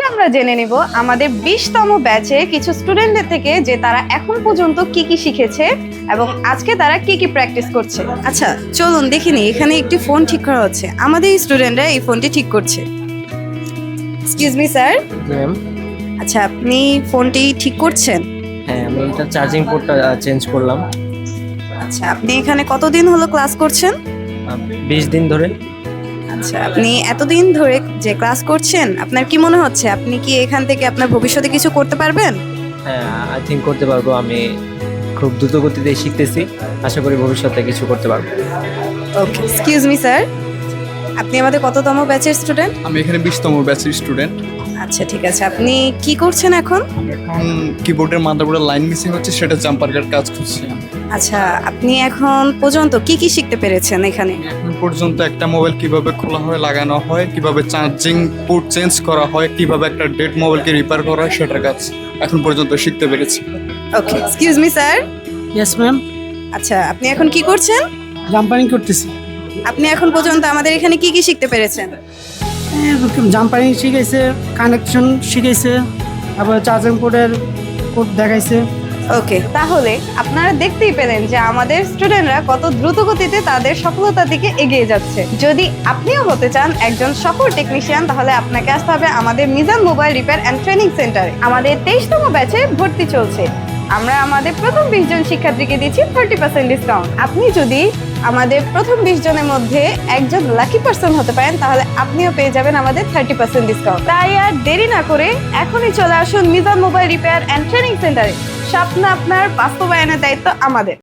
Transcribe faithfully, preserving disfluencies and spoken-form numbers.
আমরা জেনে নিব আমাদের বিশতম ব্যাচে কিছু স্টুডেন্টদের থেকে যে তারা এখন পর্যন্ত কি কি শিখেছে এবং আজকে তারা কি কি প্র্যাকটিস করছে। আচ্ছা চলুন দেখিনি, এখানে একটি ফোন ঠিক করা হচ্ছে, আমাদের স্টুডেন্টরা এই ফোনটি ঠিক করছে। Excuse me sir. ম্যাম। আচ্ছা আপনি ফোনটি ঠিক করছেন? হ্যাঁ, আমি এটা চার্জিং পোর্টটা চেঞ্জ করলাম। আচ্ছা আপনি এখানে কতদিন হলো ক্লাস করছেন? বিশ দিন ধরে। আচ্ছা আপনি এতদিন ধরে যে ক্লাস করছেন আপনার কি মনে হচ্ছে আপনি কি এখান থেকে আপনার ভবিষ্যতে কিছু করতে পারবেন? হ্যাঁ, আই থিঙ্ক করতে পারবো। আমি খুব দ্রুত গতিতে শিখতেছি, আশা করি ভবিষ্যতে কিছু করতে পারবো। ওকে এক্সকিউজ মি স্যার, আপনি আমাদের কততম ব্যাচের স্টুডেন্ট? আমি এখানে বিশতম ব্যাচের স্টুডেন্ট। আচ্ছা ঠিক আছে, আপনি কি করছেন এখন? এখন কিবোর্ডের মাদারবোর্ডের লাইন মিসিং হচ্ছে, সেটা জাম্পার কাট কাজ করছি। আচ্ছা আপনি এখন পর্যন্ত কি কি শিখতে পেরেছেন এখানে? এখন পর্যন্ত একটা মোবাইল কিভাবে খোলা হয়, লাগানো হয়, কিভাবে চার্জিং পোর্ট চেঞ্জ করা হয়, কিভাবে একটা ডেড মোবাইলকে রিপেয়ার করা হয়, সেটার কাজ এখন পর্যন্ত শিখতে পেরেছি। Okay excuse me sir. Yes ma'am. আচ্ছা আপনি এখন কি করছেন? জাম্পারিং করতেছি। আপনি এখন পর্যন্ত আমাদের এখানে কি কি শিখতে পেরেছেন? জাম্পারিং শিখাইছে, কানেকশন শিখাইছে, আবার চার্জিং পোর্টের কোড দেখাইছে। ওকে তাহলে আপনারা দেখতেই পেলেন যে আমাদের স্টুডেন্টরা কত দ্রুত গতিতে তাদের সফলতার দিকে এগিয়ে যাচ্ছে। যদি আপনিও হতে চান একজন সফল টেকনিশিয়ান তাহলে আপনাকে আসতে হবে আমাদের Mizan mobile repair and training সেন্টারে। আমাদের তেইশতম ব্যাচে ভর্তি চলছে, আমরা আমাদের প্রথম বিশ জন শিক্ষার্থীকে দিচ্ছি থার্টি পার্সেন্ট ডিসকাউন্ট। আপনি যদি আমাদের প্রথম বিশ জনের মধ্যে একজন লাকি পার্সন হতে পারেন তাহলে আপনিও পেয়ে যাবেন আমাদের থার্টি পার্সেন্ট ডিসকাউন্ট। তাই আর দেরি না করে এখনই চলে আসুন Mizan mobile repair and training সেন্টারে। স্বপ্ন আপনার বাস্তবায়নের দায়িত্ব আমাদের।